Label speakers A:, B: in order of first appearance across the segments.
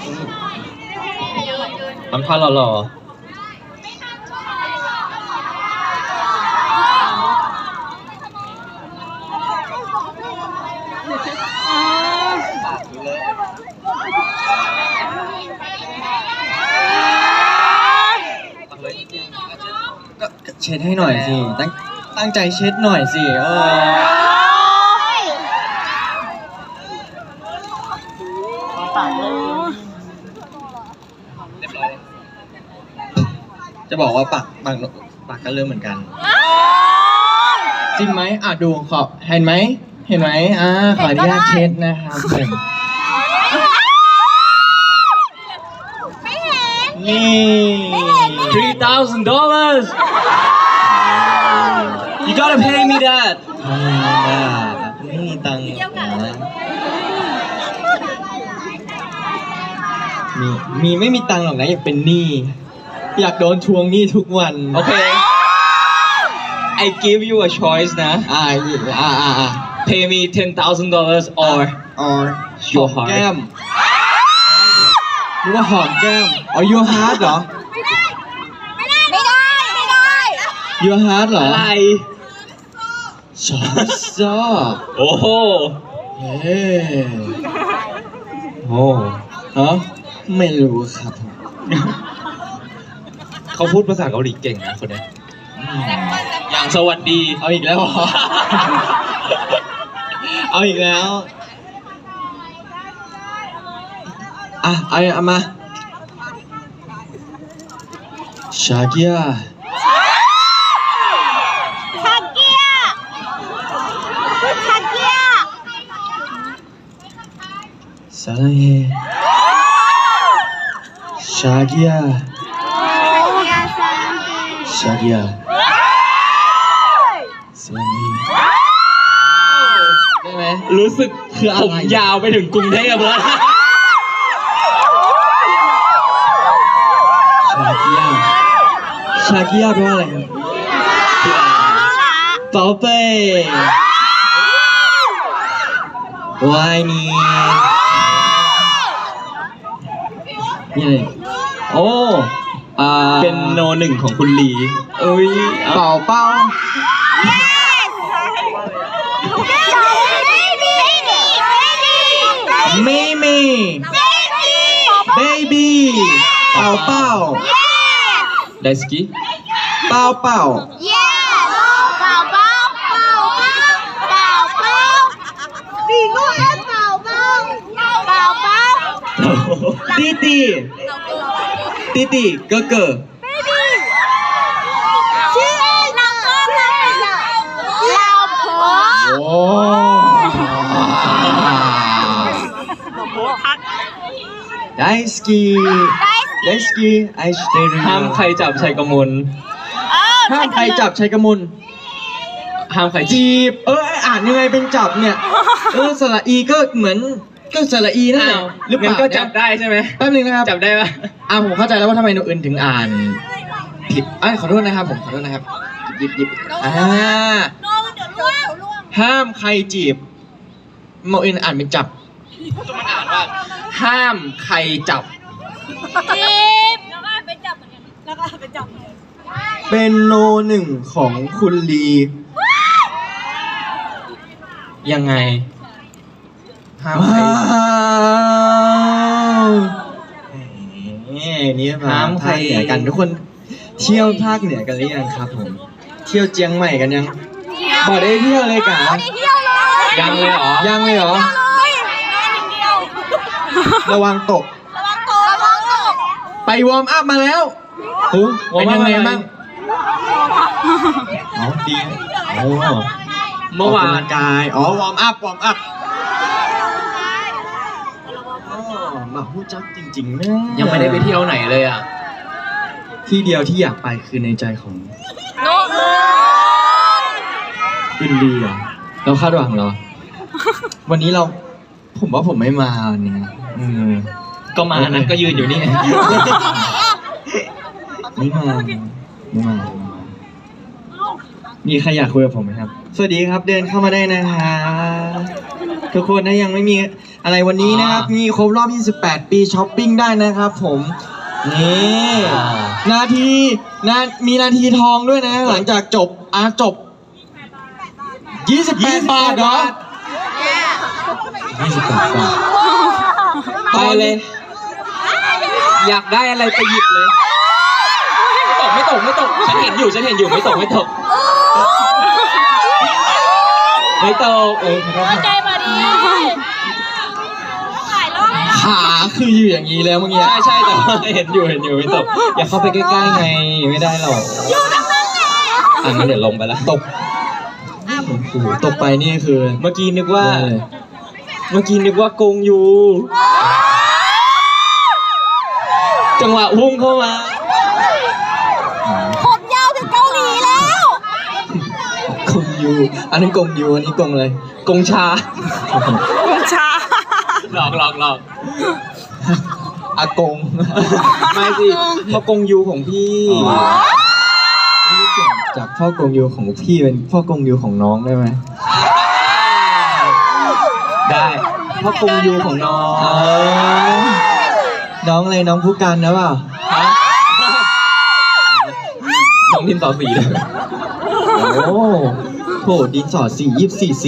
A: ทำท่าหล่อ
B: ก็เช็ดให้หน่อยสิตั้งใจเช็ดหน่อยสิจะบอกว่าปากก็เริ่มเหมือนกันจริงไหมดูขอเห็นไหมขออนุญาตเช็ดนะครับนี่
A: $3,000 You gotta pay me that
B: ไม่มีตังค์มีไม่มีตังค์หรอกนะอยากเป็นหนี้อยากโดนทวงหนี้ทุกวัน
A: โอเค I give you a choice นะPay me $10,000 or your heart
B: แก้มหรือว่าหอมแก้มyour heart เหรอ
C: ไม่ได้
B: your heart เหรอ
A: อะไร
B: ชอบ
A: โอ้โห
B: ฮะไม่รู้ครับ
A: เขาพูดภาษาเกาหลีเก่งนะคนนี้อย่างสวัสดี
B: เอาอีกแล้วเหรอเอาอีกแล้วเอามาชาเกียซาลังเฮชาเกียซาลังเฮได้ไหม
A: รู้สึก
B: คืออะไร
A: ผมยาวไปถึงกรุงเทพแล้ว
B: ชาเกียแปลว่าอะไรครับเป๋าเป้วายนี่อะไรโอ้
A: เป็นโนหนึ่งของคุณลี
B: เป่าไม่มีเบบี้เป่า
A: ไดสกี้
B: เป่า弟弟哥哥โอ้大好き愛してる
A: ห้ามใครจับชัยกมล
B: ห้ามใครจับชัยกมล
A: ห้ามใคร
B: จีบอ่านยังไงเป็นจับเนี่ยสระอีก็เหมือนก็สระอีนั่นแหละ
A: หรือเปล่าก็จับได้ใช่ไหม
B: แป๊บนึงนะครับ
A: จับได้ปะ
B: ผมเข้าใจแล้วว่าทำไมหนูอื่นถึงอ่านผิดขอโทษนะครับผมขอโทษนะครับหยิบห้ามใครจีบหนูอื่นอ่านเป็นจับ
A: มันอ่านว่าห้ามใครจับ
C: จีบแล้วก็เป็นจับเหมือนกันแล้วก็เป็นจับ
B: เป็นโนหนึ่งของคุณลี
A: ยังไง
B: ห้ามใครนี่ห้ามใครเหนือกันทุกคนเที่ยวภาคเหนือกันหรือยังครับผมเที่ยวเจียงใหม่กันยังบอกได้เที่ยวเลยกะ
A: ยังเลยเหรอ
B: ระวังตกไปวอร์มอัพมาแล้วเป็นยังไงบ้างดี
A: เมื่อวาน
B: กายวอร์มอัพมาพูดจักจริงๆนะ
A: ยังไม่ได้ไปเที่ยวไหนเลย
B: ที่เดียวที่อยากไปคือในใจของคุณดีเราคาดหวังเหรอวันนี้ผมว่าผมไม่มาวันนี้
A: ก็มานะก็ยืนอยู่นี่
B: ไม่มามีใครอยากคุยกับผมไหมครับสวัสดีครับเดินเข้ามาได้นะครับทุกคนนะยังไม่มีอะไรวันนี้นะครับมีครบรอบ 28 ปีช้อปปิ้งได้นะครับผมนี่มีนาทีทองด้วยนะ หลังจากจบ28 บาทเหรอ28 บาท
A: ไปเลย อยากได้อะไรไปหยิบเลย ไม่ตกฉันเห็นอยู่ไม่ตกไม่ตก
C: ใจมาดีขายรอบ
B: ขาคืออยู่อย่างนี้แล้วเมื่อกี้
A: ใช่แต่ว่าเห็นอยู่ไม่ตกอย่าเข้าไปใกล้ๆไงไม่ได้หรอก
C: อยู่ตรงนั้นไง
A: งั้นเดี๋ยวลงไปแล้วตก
B: โอ้โหตกไปนี่คือ
A: เมื่อกี้นึกว่ากงยูจังหวะพุ่งเข้ามา
C: ผมยาวถึงเกาหลีแล้ว
B: กงยูอันนี้กงยูอันนี้กงเลย
A: กงชา
C: ชา
A: หลอก
B: อากง
A: ไม่สิเพราะกงยูของพี่
B: จากพ่อกงยูของพี่เป็นพ่อกงยูของน้องได้ไหม
A: ได้เพราะกงยูของน้อง
B: น้องอะไรน้องผู้กันนะเปล่า
A: น้องดินสอสีเลย
B: โอ้โหดินสอสี24 สี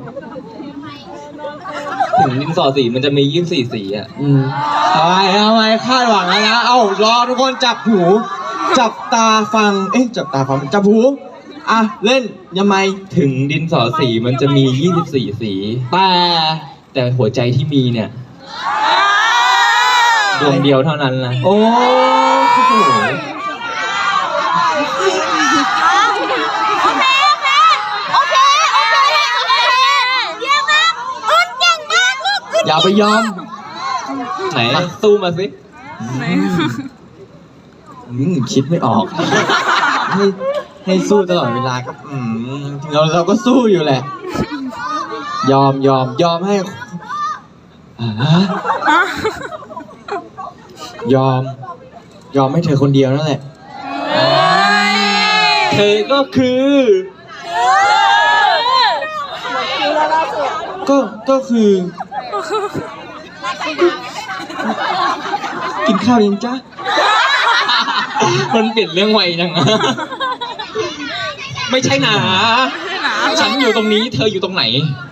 A: ถึงดินสอสีมันจะมี24สีอ่ะ
B: ทำไมคาดหวังแล้วนะรอทุกคนจับหู จับตาฟังจับตาฟังจับหูเล่นยังไง
A: ถึงดินสอสีมันจะมี24สีแต่หัวใจที่มีเนี่ยดวงเดียวเท่านั้นนะ
B: โอ้โห
C: โอเคเยี่ยมมากอึดเก่งมากลูกอึด
B: อย่าไปยอม
A: ไหนสู้มาสิ
B: คิดไม่ออก ให้สู้ตลอดเวลาก็เราก็สู้อยู่แหละ ยอมให้ยอมให้เธอคนเดียวนั่นแหละ
A: เธอก็คือ
B: ก็คือ กินข้าวยังจ๊ะ
A: มันเปลี่ยนเรื่องไวจังไม่ใช่หนาฉันอยู่ตรงนี้เธออยู่ตรงไหน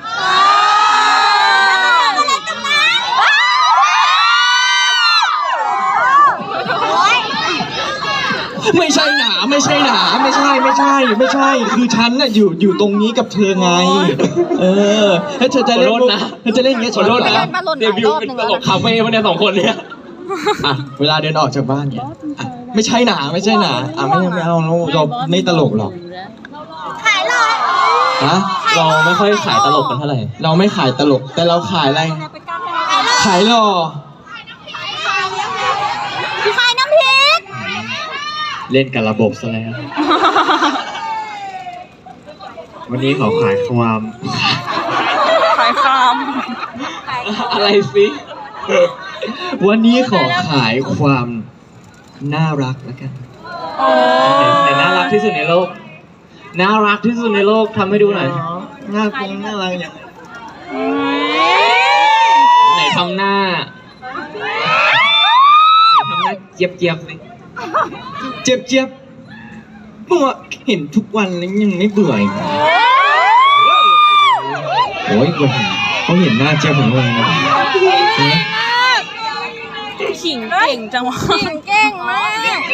B: ไม่ใช่หนาคือฉันน่ะอยู่ตรงนี้กับเธอไงแล้วเธอจะเล่นอย่างเงี้ย
A: ขอโทษนะเดบิวต์เป็นตลกคาเฟ่มาเนี่ย2 คนเนี่ย
B: เวลาเดินออกจากบ้านเนี่ยไม่ใช่หนาไม่เอาเราไม่ตลกหรอก
C: ขายเลย
A: เราไม่ค่อยขายตลกกันเท่าไหร่
B: เราไม่ขายตลกแต่เราขายอะไรขายหล่อ
C: ขายน้ำพริก
B: เล่นกับระบบซะแล้ว วันนี้ขอขายความ
A: อะไรสิ
B: วันนี้ขอขายความน่ารักแล้วกัน
A: แต่น่ารักที่สุดในโลกทำให้ดูหน่อย
B: น่ารักอย่างไร
A: ไหนทำหน้าเจี๊ยบสิ
B: เจ็บเมื่อเห็นทุกวันแล้วยังไม่เบื่ออีกโอ้ยเขาเห็นหน้าเจี๊ยบของเรานะ
C: ขิงเก่งจังวะขิงเก่งมาก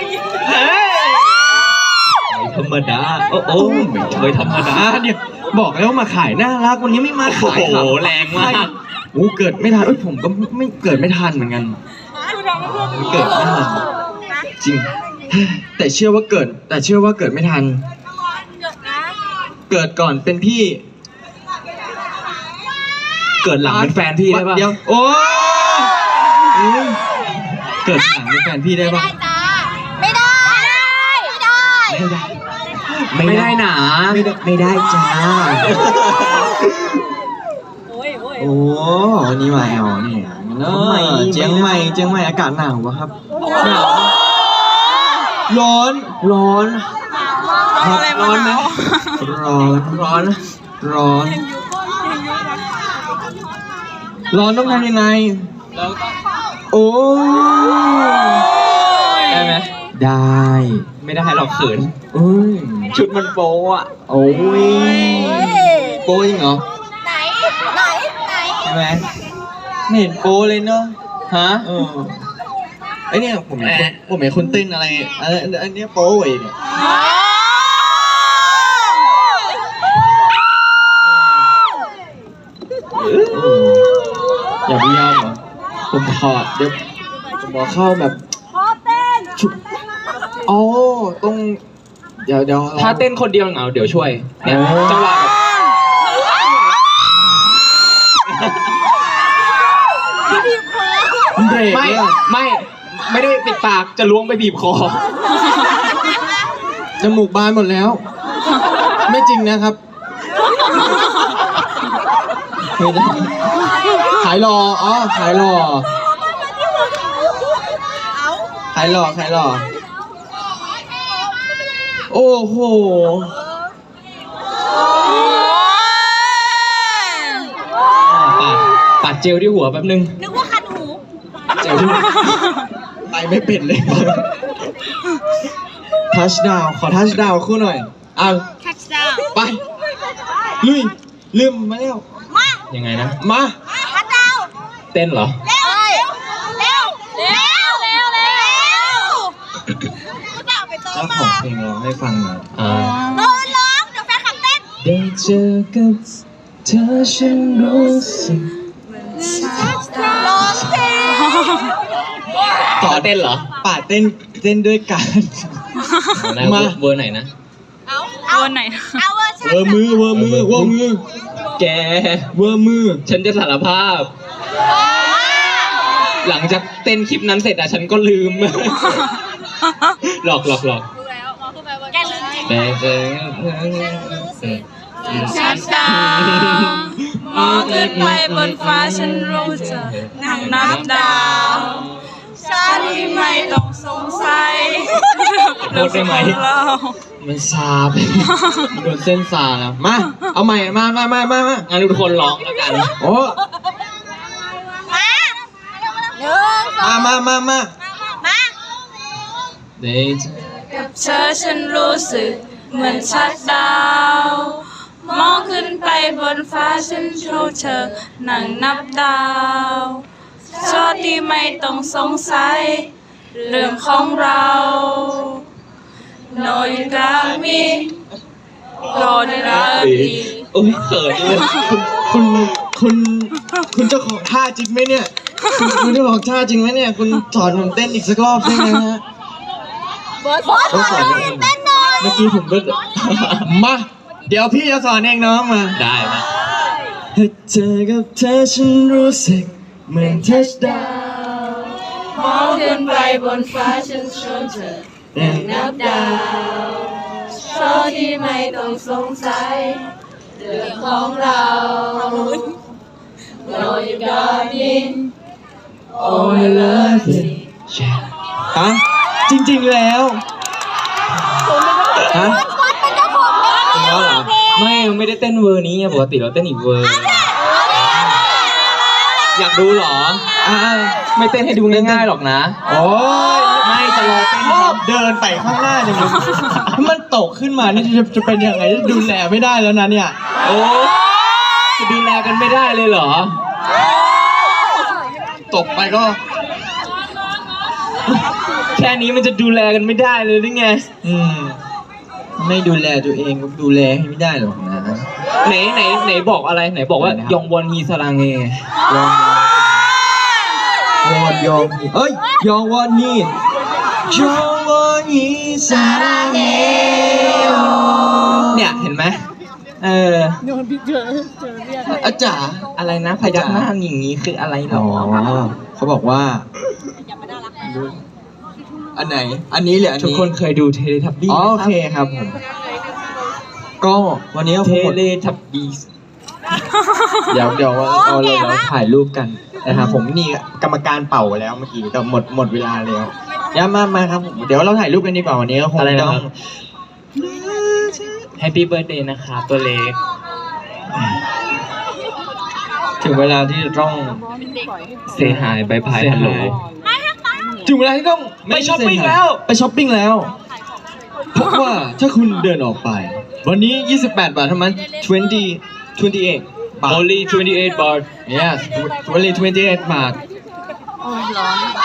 A: ไม่ธรรมดาโอ้ไม่เคยธรรมดา
B: เนี่ยบอกแล้วมาขายน่ารักวันนี้ไม่มาขาย
A: โอ้โหแรงมาก
B: เกิดไม่ทันผมก็ไม่เกิดไม่ทันเหมือนกันเกิดไม่ทันจริงแต่เชื่อว่าเกิดไม่ทันเกิดก่อนเป็นพี่
A: เกิดหลังเป็นแฟนพี่ได้ปะ
B: เดี๋ยวโอ้เกิดหลังเป็นแฟนพี่ได้ปะ
C: ไม่ได้
A: ไม่ได้หนา
B: ไม่ได้จ้าโอ้วันนี้มาแอลเนี่ยเจียงใหม่อากาศหนาวปะครับหนาวร้อนร้อนไหมร้อนร้อนต้องทำยังไง
A: แล้วก็
B: โอ้ย
A: ได้ไหม
B: ได้
A: ไม่ได้หรอกเขิน
B: อุ้ย
A: ชุดมันโป๊อะ
B: โอ้ยโป้จริงเหรอ
C: ไหนไหน
B: ใช่ไหมไม่เห็นโป้เลยเนาะ
A: ฮะ
B: ไอเนี่ยผมเห็นคุณเต้นอะไรอันเนี้ยโป้เองเนี่ยอย่าพยายามเหรอผมถอดเดี๋ยวผมบอกเข้าแบบ
C: พอเต้น
B: ชุบอ๋อต้องเดี๋ยว
A: ถ้าเต้นคนเดียวเหงาเดี๋ยวช่วยเนี่ยจังหวะแบบ
B: เบรก
A: ไม่
B: เนี่ย
A: ไม่ได้ปิดปากจะล้วงไปบีบคอ
B: จมูกบานหมดแล้ว ไม่จริงนะครับไม่ได้ขายหล่ออ๋อขายหล่อขายหล่อโอ้โห
A: ปัดเจลที่หัวแป๊บนึง
C: นึกว่าคันหู
B: เจ๋งไปไม่เป็นเลยทัชดาวขอทัชดาวคู่หน่อยอ่ะ
C: ทัชดาว
B: ไปลุยลืมมาแล้ว
C: มา
A: ยังไงนะ
B: มา
C: ทัชดาว
A: เต้นเหรอ
C: เร็วเร็วไปโต๊ะ
B: เจ้าข
C: มา
B: องเพลงร้องให้ฟังหน่อย
C: โต๊ะร้องเดี๋ยวแฟนขับเต้น
B: ได้เจอกับเธอฉันรู้สึก
C: ร้องเพลง
A: ต่อเต้นเหรอ
B: ป่าเต้นด้วยกัน มา
A: เวอร์ไหนนะ
C: เอาเวอร์ไหนเอาเวอร์ชัน
B: เวอร์มือเวอร์มือ
A: แก
B: เวอร์มือ
A: ฉันจะสารภาพ หลังจากเต้นคลิปนั้นเสร็จอะฉันก็ลืม หลอก
C: รู้แล้วมาขึ้นไปว่าแกลืมจริง
A: แต่เจอ
D: ชัดดาวมองขึ้นไปบนฟ้าฉันรู้จะนั่งนับดาวฉันที่ไม่ต้องสงสัย
A: โทษได้ไหม
D: เรา
B: มันซาไปโดนเส้นซาแล้วมา เอาใหม่มา
A: งั้นทุกคนร้องแล้วกัน
B: โอ้
C: มาหนึ่งสอง
B: มา
C: มา
A: ได้เจอ
D: กับเธอฉันรู้สึกเหมือนชัดดาวมองขึ้นไปบนฟ้าฉันรู้เธอนั่งนับดาวชอบที่ไม่ต้องสงสัยเรื่องของเราโนยกามิโดนรักดี
A: โอ้ยเขินเลย
B: คุณเจ้าของท่าจริงไหมเนี่ย คุณเจ้าของท่าจริงไหมเนี่ย คุณสอนผมเต้นอีกสักรอบได้ไหมฮะ
C: บอสเต้นหน่อย
B: เมื่อกี้ผมก็ มา เดี๋ยวพี่จะสอนเองน้องมา
A: ได้ไหม
B: ถ้าเจอกับเธอฉันรู้สึกเหมือนทัชดาว
D: มองขึ้นไปบนฟ้าฉันชวนเธอนับดาวโชคที่ไม่ต้องสงสัยเรื่องของเราเราอยู่กับมิน Oh I love you
B: ฮะจริงๆแล้วฮะ
C: บอสเป็นเจ้าของเพลง
B: จริงแล้วเหรอ
A: ไม่ได้เต้นเวอร์นี้ไงปกติเราเต้นอีกเวอร์ อยากดูเหรอ
B: อ่า
A: ไม่เต้นให้ดูง่ายๆหรอกนะ
B: โอ้ย
A: ไม่จะรอเต้น
B: ชอบเดินไปข้างหน้าจังเลยถ้ามันตกขึ้นมานี่จะเป็นยังไงดูแลไม่ได้แล้วนะเนี่ย
A: โอ้จะดูแลกันไม่ได้เลยเหรอ
B: ตกไปก็
A: แค่นี้มันจะดูแลกันไม่ได้เลยหรือไง
B: ไม่ดูแลตัวเองก็ดูแลให้ไม่ได้หรอกนะ
A: ไหนบอกอะไรไหนบอกว่า
B: อะไรนะครับ
A: ยองวอนฮีสรังเง
B: ยองเอ้ยยองวอนนี่ยองวอนนี่สาเฮโอ
A: เนี่ยเห็นไหม
B: อาจารย์
A: อะไรนะพยักหน้าอย่างนี้คืออะไรหร
B: อ๋อ
A: อ
B: เขาบอกว่าอันไหน อันนี้หรืออัน
A: ทุก
B: นี้
A: คนเคยดูเทเลทับบี้
B: อ๋อโอเคครับผมก็วันนี้ก็
A: เท
B: คงหมด
A: เลทับบี้
B: เดี๋ยวเราถ่ายรูปกันนะครับผมนี่กรรมการเป่าแล้วเมื่อกี้แต่หมดเวลาแล้วย้ำมาครับผมเดี๋ยวเราถ่ายรูปกันดีกว่าวันนี้ก็คงต้อง
A: แฮปปี้เบิร์ดเดย์นะคะตัวเล็ก
B: ถึงเวลาที่จะต้อง
A: say hi bye bye hello
B: ถึงเวลาที่ต้อง
A: ไปช้อปปิ้งแล้ว
B: ไปช้อปปิ้งแล้ว เพราะว่าถ้าคุณเดินออกไป วันนี้ 28 บาทเท่านั้น28 บาท
A: only 28 baht
B: yes only 28 บาท
D: โอ้ยร้อน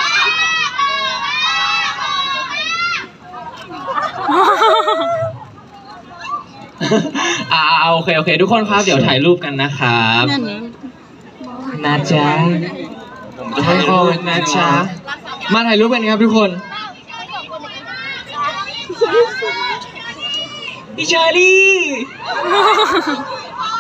A: โอเคทุกคนครับเดี๋ยวถ่ายรูปกันนะครับ
D: นั่นนี่
A: นะจ๊ะ
B: ผมจะให้เอานะจ๊ะมาถ่ายรูปกันครับทุกคน
A: พี่เชอรี่